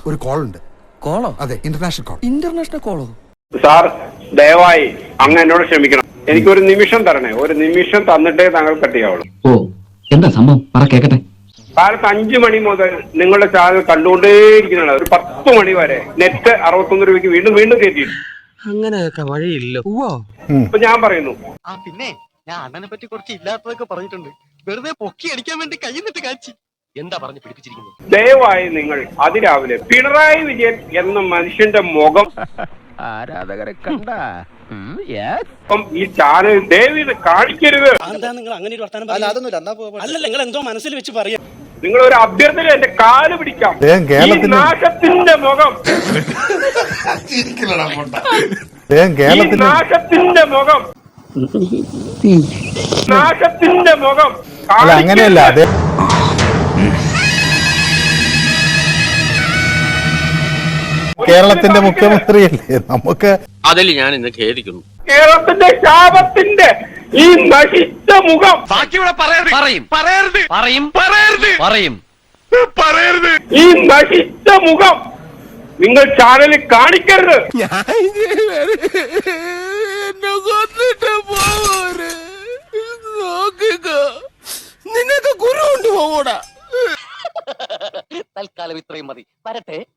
ഒരു കോൾ ഉണ്ട്. കോളോ? അതെ, ഇന്റർനാഷണൽ കോൾ. ഇന്റർനാഷണൽ കോളോ? സാർ ദയവായി അങ്ങ് എന്നോട് ക്ഷമിക്കണം. എനിക്കൊരു നിമിഷം തരണേ. ഒരു നിമിഷം തന്നിട്ടേ താങ്കൾ കട്ട് ചെയ്യാവുള്ളൂ. ഓ, എന്താ സംഭവം? പറ കേക്കട്ടെ. കാലത്ത് 5 മണി മുതൽ നിങ്ങളുടെ ചാനൽ കണ്ടുകൊണ്ടേയിരിക്കുന്നതാണ്. ഒരു 10 മണി വരെ നെറ്റ് 61 രൂപയ്ക്ക് വീണ്ടും വീണ്ടും കയറ്റിയിട്ടുണ്ട്. അങ്ങനെയൊക്കെ വഴിയില്ല. ഇപ്പൊ ഞാൻ പറയുന്നു, പിന്നെ ഞാൻ അണ്ണനെ പറ്റി കുറച്ച് ഇല്ലാത്തതൊക്കെ പറഞ്ഞിട്ടുണ്ട്. വെറുതെ പൊക്കി അടിക്കാൻ വേണ്ടി കൈന്നിട്ട് കാച്ചി. എന്താ പറഞ്ഞു പിടിപ്പിച്ചിരിക്കുന്നത്? ദയവായി നിങ്ങൾ അതിരാവിലെ പിണറായി വിജയൻ എന്ന മനുഷ്യന്റെ മുഖം ആരാധകരെ കണ്ട ഈ ചാനൽ ദയവീത് കാണിക്കരുത്. എന്താ നിങ്ങൾ അങ്ങനെ ഒരു വർത്താനം? അല്ല, നിങ്ങൾ എന്തോ മനസ്സിൽ വെച്ച് പറയാം. നിങ്ങൾ ഒരു അഭ്യർത്ഥന എന്റെ കാല് പിടിക്കാം. ഈ നാശത്തിന്റെ മുഖം, നാശത്തിന്റെ മുഖം, നാശത്തിന്റെ മുഖം. അങ്ങനെയല്ല, കേരളത്തിന്റെ മുഖ്യമന്ത്രിയല്ലേ നമുക്ക്. അതിൽ ഞാൻ ഇന്ന് ഖേദിക്കുന്നു. കേരളത്തിന്റെ ശാപത്തിന്റെ ഈ നശിച്ച മുഖം ഈ നശിച്ച മുഖം നിങ്ങൾ ചാനലിൽ കാണിക്കരുത്. തൽക്കാലം ഇത്രയും മതി. വരട്ടെ.